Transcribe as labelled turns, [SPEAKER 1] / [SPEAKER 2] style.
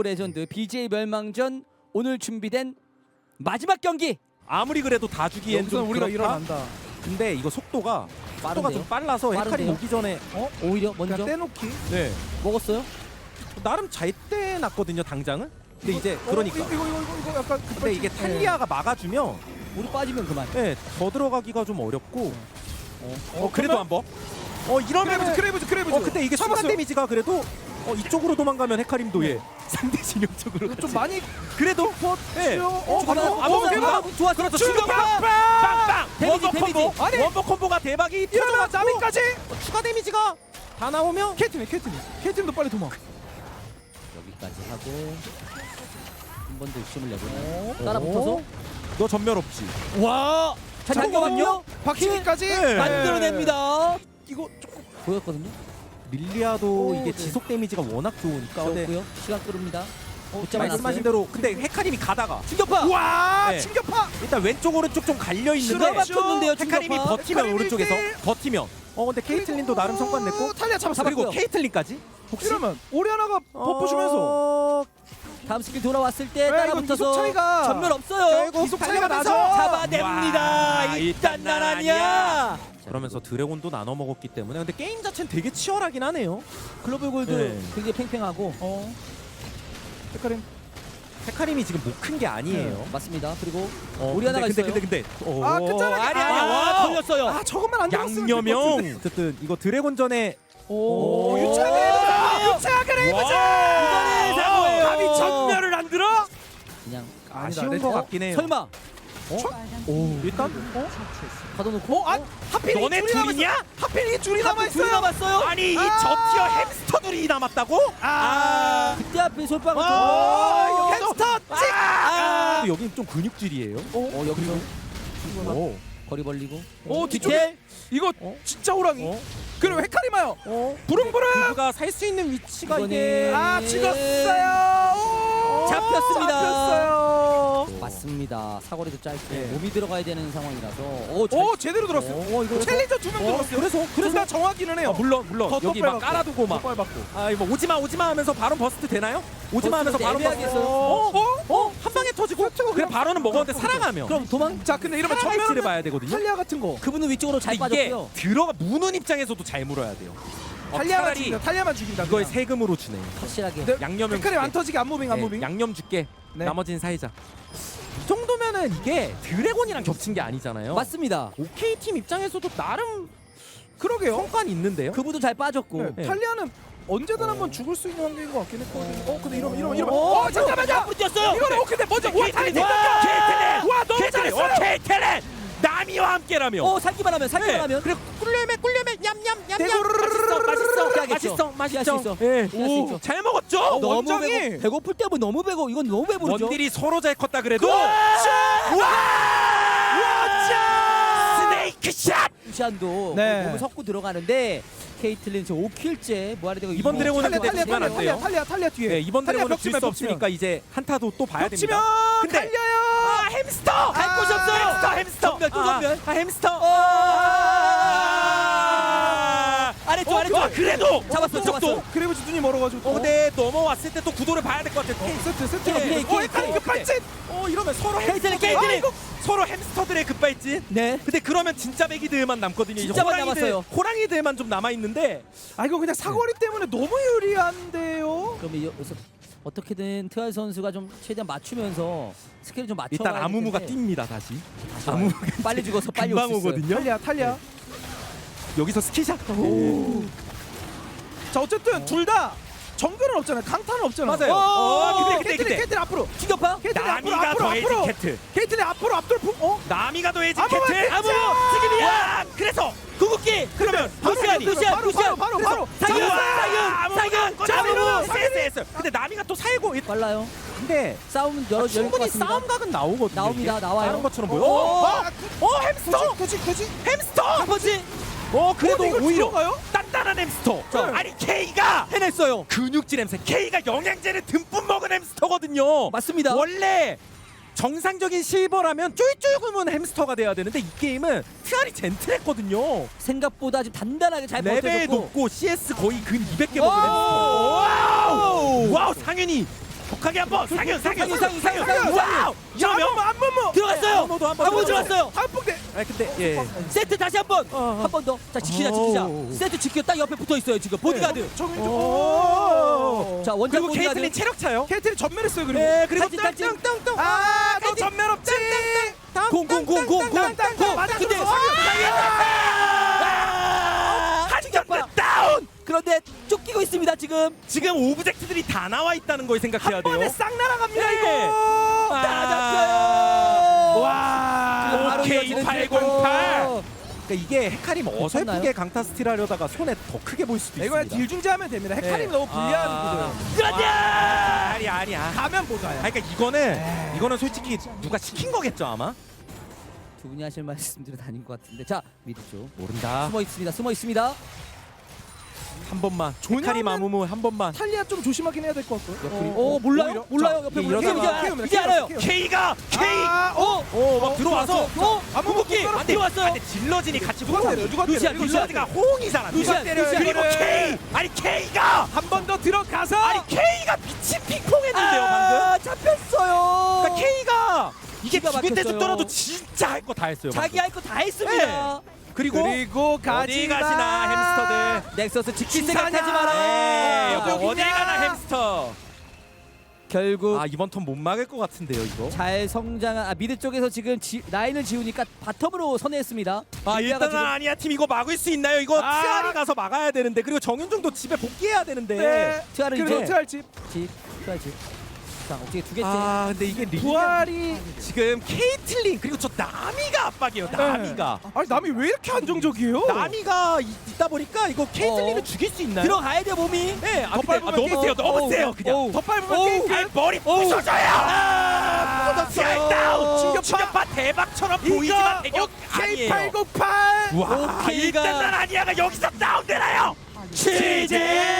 [SPEAKER 1] 오브 레전드 BJ 멸망전 오늘 준비된 마지막 경기.
[SPEAKER 2] 아무리 그래도 다 주기엔
[SPEAKER 3] 여기서
[SPEAKER 2] 좀
[SPEAKER 3] 우리가
[SPEAKER 2] 그렇다?
[SPEAKER 3] 일어난다.
[SPEAKER 2] 근데 이거 속도가
[SPEAKER 1] 빠른데요?
[SPEAKER 2] 좀 빨라서 헤카림
[SPEAKER 1] 빠른데요?
[SPEAKER 2] 오기 전에
[SPEAKER 1] 오히려 먼저
[SPEAKER 3] 그냥 떼놓기.
[SPEAKER 2] 네
[SPEAKER 1] 먹었어요.
[SPEAKER 2] 나름 잘 떼놨거든요 당장은. 근데 이제 그러니까
[SPEAKER 3] 이거 약간
[SPEAKER 2] 근데 이게 탈리아가 막아주면
[SPEAKER 1] 우리 빠지면 그만.
[SPEAKER 2] 네, 더 들어가기가 좀 어렵고 그래도
[SPEAKER 3] 그러면-
[SPEAKER 2] 한번 이러면
[SPEAKER 3] 크레이브즈.
[SPEAKER 2] 근데 이게 순간
[SPEAKER 3] 잡았어요.
[SPEAKER 2] 데미지가 그래도 이쪽으로 도망가면 헤카림도 예 상대 진영 쪽으로
[SPEAKER 3] 이거 좀
[SPEAKER 2] 같이.
[SPEAKER 3] 많이
[SPEAKER 2] 그래도 예
[SPEAKER 1] 좋았어.
[SPEAKER 2] 그렇죠
[SPEAKER 3] 출격!
[SPEAKER 2] 빵빵
[SPEAKER 1] 데미지,
[SPEAKER 2] 원버 콤보
[SPEAKER 1] 데미지.
[SPEAKER 3] 아니!
[SPEAKER 2] 원버 콤보가 대박이
[SPEAKER 3] 일어나
[SPEAKER 2] 터져가지고
[SPEAKER 3] 나비까지.
[SPEAKER 2] 추가 데미지가 다 나오면
[SPEAKER 3] 케이트도 빨리 도망.
[SPEAKER 1] 여기까지 하고 한 번 더 욕심을 내보네. 따라붙어서
[SPEAKER 2] 너 전멸 없지.
[SPEAKER 1] 와. 자, 잠깐만요.
[SPEAKER 3] 박치기까지.
[SPEAKER 2] 네.
[SPEAKER 1] 만들어냅니다.
[SPEAKER 3] 이거 조금
[SPEAKER 1] 보였거든요.
[SPEAKER 2] 밀리아도 이게
[SPEAKER 1] 네.
[SPEAKER 2] 지속 데미지가 워낙 좋으니까 근데
[SPEAKER 1] 좋고요. 시간 끌습니다. 붙잡아
[SPEAKER 2] 말씀하신
[SPEAKER 1] 놨어요.
[SPEAKER 2] 대로 근데 헤카림이 가다가
[SPEAKER 1] 충격파.
[SPEAKER 3] 와
[SPEAKER 2] 네.
[SPEAKER 3] 충격파.
[SPEAKER 2] 일단 왼쪽 오른쪽 좀 갈려 있는데
[SPEAKER 1] 수가 막혔는데요.
[SPEAKER 2] 헤카림이
[SPEAKER 1] 충격파.
[SPEAKER 2] 버티면
[SPEAKER 3] 헤카림
[SPEAKER 2] 오른쪽에서
[SPEAKER 3] 일대.
[SPEAKER 2] 버티면 근데 케이틀린도 나름 성과 냈고
[SPEAKER 3] 탈리아 잡았어.
[SPEAKER 2] 그리고
[SPEAKER 1] 잡았고요.
[SPEAKER 2] 케이틀린까지 혹시
[SPEAKER 3] 이러면 오리아나가 버프 주면서
[SPEAKER 1] 다음 스킬 돌아왔을 때
[SPEAKER 3] 이거
[SPEAKER 1] 따라붙어서
[SPEAKER 3] 이속 차이가
[SPEAKER 1] 전멸 없어요.
[SPEAKER 3] 이속 차이가 나죠.
[SPEAKER 1] 잡아냅니다.
[SPEAKER 2] 와,
[SPEAKER 1] 일단 난 아니야.
[SPEAKER 2] 그러면서 드래곤도 나눠 먹었기 때문에 근데 게임 자체는 되게 치열하긴 하네요.
[SPEAKER 1] 글로벌 골드
[SPEAKER 2] 네.
[SPEAKER 1] 굉장히 팽팽하고
[SPEAKER 3] 헤카림.
[SPEAKER 2] 헤카림이 지금 못 큰 게 아니에요.
[SPEAKER 1] 맞습니다. 그리고 오리아나가
[SPEAKER 2] 근데
[SPEAKER 1] 있어요.
[SPEAKER 2] 근데
[SPEAKER 3] 아, 끝자락에
[SPEAKER 1] 아니야. 와, 걸렸어요.
[SPEAKER 3] 아 저것만 안 들었으면
[SPEAKER 2] 양념형 어쨌든 이거 드래곤전에
[SPEAKER 1] 오,
[SPEAKER 3] 유차 그레이브즈.
[SPEAKER 1] 이거는 사고예요.
[SPEAKER 2] 감히 전멸을 안 들어?
[SPEAKER 1] 그냥
[SPEAKER 2] 아쉬운 것 같긴 해요.
[SPEAKER 1] 설마
[SPEAKER 2] 일단
[SPEAKER 1] 가둬놓고
[SPEAKER 3] 하필
[SPEAKER 2] 너네
[SPEAKER 3] 이 줄이
[SPEAKER 2] 둘이냐?
[SPEAKER 3] 하필 이 줄이 남아
[SPEAKER 1] 둘이
[SPEAKER 3] 있어요.
[SPEAKER 1] 남았어요.
[SPEAKER 2] 아니 이 저티어 햄스터들이 남았다고?
[SPEAKER 1] 그때 앞에 솔방울
[SPEAKER 3] 햄스터 찍.
[SPEAKER 2] 근데 여긴 좀 근육질이에요.
[SPEAKER 1] 여기서
[SPEAKER 2] 오.
[SPEAKER 1] 거리 벌리고
[SPEAKER 3] 뒤쪽에 이거 진짜 호랑이. 그리고 헤카리마요. 부릉부릉.
[SPEAKER 2] 그가 살 수 있는 위치가
[SPEAKER 1] 이거는-
[SPEAKER 2] 이게
[SPEAKER 3] 찍었어요.
[SPEAKER 1] 잡혔습니다.
[SPEAKER 3] 잡혔어요.
[SPEAKER 1] 맞습니다. 사거리도 짧고
[SPEAKER 2] 네.
[SPEAKER 1] 몸이 들어가야 되는 상황이라서
[SPEAKER 3] 오 제대로 들었어요.
[SPEAKER 1] 이거
[SPEAKER 3] 챌린저 2명 들었어요. 그래서 다 정확히는 해요.
[SPEAKER 2] 물론
[SPEAKER 3] 더
[SPEAKER 2] 여기 막
[SPEAKER 3] 빨갛고.
[SPEAKER 2] 깔아두고 막
[SPEAKER 3] 더 밟았고.
[SPEAKER 2] 뭐 오지마 하면서 바로 버스트 되나요? 오지마 하면서 바로
[SPEAKER 1] 애매하게
[SPEAKER 2] 버스트.
[SPEAKER 1] 했어요.
[SPEAKER 2] 한 방에 터지고 그래 바로는 먹었는데 살아가면
[SPEAKER 1] 그럼 도망.
[SPEAKER 3] 자 근데 이러면
[SPEAKER 2] 전멸을
[SPEAKER 3] 전멸을
[SPEAKER 2] 봐야 되거든요.
[SPEAKER 3] 탈리아 같은 거.
[SPEAKER 1] 그분은 위쪽으로 잘
[SPEAKER 2] 근데 이게
[SPEAKER 1] 빠졌고요.
[SPEAKER 2] 들어가 무는 입장에서도 잘 물어야 돼요.
[SPEAKER 3] 탈리아만
[SPEAKER 2] 차라리
[SPEAKER 3] 죽인다. 탈리아만 죽인다.
[SPEAKER 2] 이걸
[SPEAKER 3] 그냥.
[SPEAKER 2] 세금으로 주네.
[SPEAKER 1] 확실하게.
[SPEAKER 3] 네,
[SPEAKER 2] 양념은
[SPEAKER 3] 헤카림 안 터지게 안 무빙 안
[SPEAKER 2] 네,
[SPEAKER 3] 무빙.
[SPEAKER 2] 양념 줄게.
[SPEAKER 3] 네.
[SPEAKER 2] 나머지는 사이자. 이 정도면은 이게 드래곤이랑 겹친 게 아니잖아요.
[SPEAKER 1] 맞습니다.
[SPEAKER 2] OK 팀 입장에서도 나름
[SPEAKER 3] 그러게요.
[SPEAKER 2] 성과는 있는데요.
[SPEAKER 1] 그분도 잘 빠졌고.
[SPEAKER 3] 네. 탈리아는 언제든 한번 죽을 수 있는 환경인 것 같긴 했거든요. 근데 이러면
[SPEAKER 1] 잠깐만요. 앞으로 뛰었어요.
[SPEAKER 3] 이거는 근데 먼저 와 탈리
[SPEAKER 2] 케이틀린! 와 너무 잘했어요. 케이틀린! 나미와 함께라며.
[SPEAKER 1] 살기만 하면
[SPEAKER 2] 그래 꿀레메 냠냠냠냠.
[SPEAKER 1] 피하겠죠. 피할 수 있어.
[SPEAKER 2] 예.
[SPEAKER 1] 피할 수 있어.
[SPEAKER 2] 잘 먹었죠?
[SPEAKER 1] 너무
[SPEAKER 3] 원장이!
[SPEAKER 1] 배고플 때면 너무 배고 이건 너무 배부르죠.
[SPEAKER 2] 원딜이 서로 잘 컸다 그래도. 스네이크 샷!
[SPEAKER 1] 루시안도
[SPEAKER 3] 네.
[SPEAKER 1] 몸을 섞고 들어가는데 케이틀린 저 5킬째 뭐하려 되고
[SPEAKER 2] 이번 드래곤은 근데 주면 안 돼요.
[SPEAKER 3] 탈리아 뒤에.
[SPEAKER 2] 네, 이번
[SPEAKER 3] 탈리아
[SPEAKER 2] 드래곤은
[SPEAKER 3] 벽치면,
[SPEAKER 2] 질 수 없으니까 이제 한타도 또 봐야
[SPEAKER 3] 벽치면
[SPEAKER 2] 됩니다. 근데
[SPEAKER 3] 탈리아요.
[SPEAKER 2] 햄스터!
[SPEAKER 1] 갈 곳이 없어요.
[SPEAKER 2] 햄스터!
[SPEAKER 1] 전멸, 또 전멸.
[SPEAKER 2] 햄스터!
[SPEAKER 1] 아래쪽
[SPEAKER 2] 그래도!
[SPEAKER 1] 잡았어.
[SPEAKER 3] 그래브즈 눈이 멀어가지고.
[SPEAKER 2] 근데 넘어왔을 때 또 구도를 봐야 될 것 같아.
[SPEAKER 3] 세트.
[SPEAKER 1] 케이.
[SPEAKER 3] 헤카림 급발진.
[SPEAKER 2] 이러면 서로
[SPEAKER 1] 케이틀린.
[SPEAKER 2] 서로 햄스터들의 급발진.
[SPEAKER 1] 네.
[SPEAKER 2] 근데 그러면 진짜 메기들만 남거든요. 이제
[SPEAKER 1] 진짜만 남았어요.
[SPEAKER 2] 호랑이들만 좀 남아 있는데.
[SPEAKER 3] 아 이거 그냥 사거리 때문에 너무 유리한데요.
[SPEAKER 1] 그럼 여기서 어떻게든 트알 선수가 좀 최대한 맞추면서 스킬을 좀 맞춰.
[SPEAKER 2] 일단 아무무가 뜁니다 다시.
[SPEAKER 1] 아무무가 빨리 죽어서 빨리
[SPEAKER 2] 금방
[SPEAKER 1] 올수 있어요.
[SPEAKER 2] 오거든요.
[SPEAKER 3] 탈리아.
[SPEAKER 2] 여기서 스키샷.
[SPEAKER 3] 자 어쨌든 둘 다 정글은 없잖아요. 강타는 없잖아요.
[SPEAKER 2] 맞아요. 근데
[SPEAKER 3] 케이틀린 앞으로.
[SPEAKER 1] 충격파.
[SPEAKER 3] 케이틀린
[SPEAKER 2] 나미가 더해진 캐트.
[SPEAKER 3] 케이틀린 앞으로 앞돌.
[SPEAKER 2] 나미가 더해진
[SPEAKER 3] 아무무
[SPEAKER 2] 캐트.
[SPEAKER 3] 캐트!
[SPEAKER 2] 지금이야. 그래서
[SPEAKER 1] 궁극기.
[SPEAKER 2] 그러면
[SPEAKER 3] 바로.
[SPEAKER 2] 아무무 세스. 근데 나미가 또 살고.
[SPEAKER 1] 빨라요.
[SPEAKER 2] 근데
[SPEAKER 1] 싸움 열릴 것
[SPEAKER 2] 충분히
[SPEAKER 1] 같습니다.
[SPEAKER 2] 싸움각은 나오거든요.
[SPEAKER 1] 나옵니다. 나와요.
[SPEAKER 2] 다른 것처럼 보여. 햄스터.
[SPEAKER 3] 그지.
[SPEAKER 2] 햄스터.
[SPEAKER 1] 한 번지.
[SPEAKER 2] 그래도
[SPEAKER 3] 이걸
[SPEAKER 2] 오히려
[SPEAKER 3] 들어가요?
[SPEAKER 2] 단단한 햄스터.
[SPEAKER 3] 네.
[SPEAKER 2] 아니 K가
[SPEAKER 1] 해냈어요.
[SPEAKER 2] 근육질 햄스터. K가 영양제를 듬뿍 먹은 햄스터거든요.
[SPEAKER 1] 맞습니다.
[SPEAKER 2] 원래 정상적인 실버라면 쫄쫄구문 햄스터가 돼야 되는데 이 게임은 트알이 젠틀했거든요.
[SPEAKER 1] 생각보다 좀 단단하게 잘
[SPEAKER 2] 레벨
[SPEAKER 1] 버텨줬고.
[SPEAKER 2] 높고 CS 거의 근 200개 먹은 햄스터. 와우 상윤이 완벽하게 한번 상윤.
[SPEAKER 1] 와우!
[SPEAKER 2] 이러면
[SPEAKER 1] 들어갔어요. 한번 들어갔어요.
[SPEAKER 3] 한폭대.
[SPEAKER 2] 아 근데 예.
[SPEAKER 1] 세트 다시 한 번. 한 번 더. 자, 지키자. 세트 지켜. 딱 옆에 붙어 있어요, 지금. 보디가드.
[SPEAKER 3] 정윤주.
[SPEAKER 1] 자, 원작
[SPEAKER 2] 그리고
[SPEAKER 1] 보디가드.
[SPEAKER 2] 케이틀린 체력 차요.
[SPEAKER 3] 케이틀이 전멸했어요. 그리고.
[SPEAKER 2] 네, 그리고
[SPEAKER 1] 탈진.
[SPEAKER 2] 땅땅땅땅.
[SPEAKER 3] 너 전멸 없지.
[SPEAKER 1] 공. 근데
[SPEAKER 2] 한경파 다운.
[SPEAKER 1] 그런데 쫓기고 있습니다, 지금.
[SPEAKER 2] 지금 오브젝트들이 다 나와 있다는 걸 생각해야
[SPEAKER 3] 한
[SPEAKER 2] 돼요.
[SPEAKER 3] 번에 싹 날아갑니다
[SPEAKER 2] 네.
[SPEAKER 3] 이거.
[SPEAKER 1] 다 잡혀요.
[SPEAKER 2] 와.
[SPEAKER 1] 바로
[SPEAKER 2] 오케이
[SPEAKER 1] 이어지는
[SPEAKER 2] 808. 그러니까 이게 헤카림
[SPEAKER 1] 괜찮나요?
[SPEAKER 2] 어설프게 강타 스틸 하려다가 손에 더 크게 보일 수도
[SPEAKER 3] 이거
[SPEAKER 2] 있습니다.
[SPEAKER 3] 딜 중지하면 됩니다. 헤카림이 너무 불리한 구조예요.
[SPEAKER 1] 그렇냐!
[SPEAKER 2] 아니야.
[SPEAKER 3] 가면 보자요.
[SPEAKER 2] 그러니까 이거는 솔직히 누가 시킨 거겠죠 아마.
[SPEAKER 1] 두 분이 하실 말씀들은 아닌 것 같은데. 자, 미드 쪽.
[SPEAKER 2] 모른다.
[SPEAKER 1] 숨어 있습니다.
[SPEAKER 2] 한 번만.
[SPEAKER 3] 조냐면-
[SPEAKER 2] 헤카림 아무무 한 번만.
[SPEAKER 3] 탈리아 좀 조심하긴 해야 될 것 같고요.
[SPEAKER 1] 오, 몰라요?
[SPEAKER 3] 오히려.
[SPEAKER 1] 옆에
[SPEAKER 2] 이게
[SPEAKER 1] 몰라요.
[SPEAKER 3] 이러다가
[SPEAKER 1] 이제 알아요.
[SPEAKER 2] K가 막 들어와서
[SPEAKER 1] 궁극기
[SPEAKER 2] 안
[SPEAKER 1] 들어왔어요.
[SPEAKER 2] 근데 질러진이 같이
[SPEAKER 3] 누가 때려? 누가 때려?
[SPEAKER 1] 루시안,
[SPEAKER 3] 이거
[SPEAKER 2] 질러진가 호응이 잘안 돼.
[SPEAKER 1] 루시안,
[SPEAKER 2] 그리고 K 아니 K가
[SPEAKER 3] 한 번 더 들어가서.
[SPEAKER 2] 아니 K가 미친 핑퐁했는데요 방금.
[SPEAKER 1] 잡혔어요.
[SPEAKER 2] 그러니까 K가 이게
[SPEAKER 1] 기가
[SPEAKER 2] 죽을 때
[SPEAKER 1] 막혔어요.
[SPEAKER 2] 죽더라도 진짜 할 거 다 했어요.
[SPEAKER 1] 자기
[SPEAKER 2] 방금.
[SPEAKER 1] 할 거 다 했습니다.
[SPEAKER 2] 그리고 어디
[SPEAKER 3] 가지나.
[SPEAKER 2] 가시나 햄스터들.
[SPEAKER 1] 넥서스 지킬
[SPEAKER 3] 신사냐.
[SPEAKER 1] 생각하지 마라.
[SPEAKER 2] 네,
[SPEAKER 3] 어디냐.
[SPEAKER 2] 어디 가나 햄스터.
[SPEAKER 1] 결국
[SPEAKER 2] 아 이번 턴 못 막을 것 같은데요 이거.
[SPEAKER 1] 잘 성장한 미드 쪽에서 지금 라인을 지우니까 바텀으로 선회했습니다.
[SPEAKER 2] 아
[SPEAKER 1] 일리아가
[SPEAKER 2] 일단은 아니야 팀 이거 막을 수 있나요? 이거 트알이 가서 막아야 되는데 그리고 정윤종도 집에 복귀해야 되는데.
[SPEAKER 3] 네.
[SPEAKER 1] 트알을
[SPEAKER 3] 그리고
[SPEAKER 1] 이제
[SPEAKER 3] 트알 집.
[SPEAKER 1] 집. 자, 어떻게 두 개째.
[SPEAKER 2] 아 근데 이게
[SPEAKER 3] 부활이.
[SPEAKER 2] 지금 케이틀린 그리고 저 나미가 압박이에요. 나미가.
[SPEAKER 3] 아니 남이 왜 이렇게 안정적이에요?
[SPEAKER 2] 나미가 있다 보니까 이거 케이틀린을 죽일 수 있나요?
[SPEAKER 1] 들어가야 돼 몸이.
[SPEAKER 2] 네. 아,
[SPEAKER 3] 더
[SPEAKER 2] 근데
[SPEAKER 3] 밟으면
[SPEAKER 2] 너무 세요. 너무
[SPEAKER 1] 어우,
[SPEAKER 2] 세요. 그냥.
[SPEAKER 1] 어우.
[SPEAKER 3] 더 밟으면
[SPEAKER 1] 어우.
[SPEAKER 3] 케이틀.
[SPEAKER 2] 아, 머리 부서져요.
[SPEAKER 1] 부서졌어요.
[SPEAKER 2] 다운.
[SPEAKER 3] 충격파.
[SPEAKER 2] 충격파 대박처럼 보이지만 대격 아니에요.
[SPEAKER 3] K898.
[SPEAKER 2] 와
[SPEAKER 1] 오케이가.
[SPEAKER 2] 일단 난 아니야가 여기서 다운되나요?
[SPEAKER 1] 취재.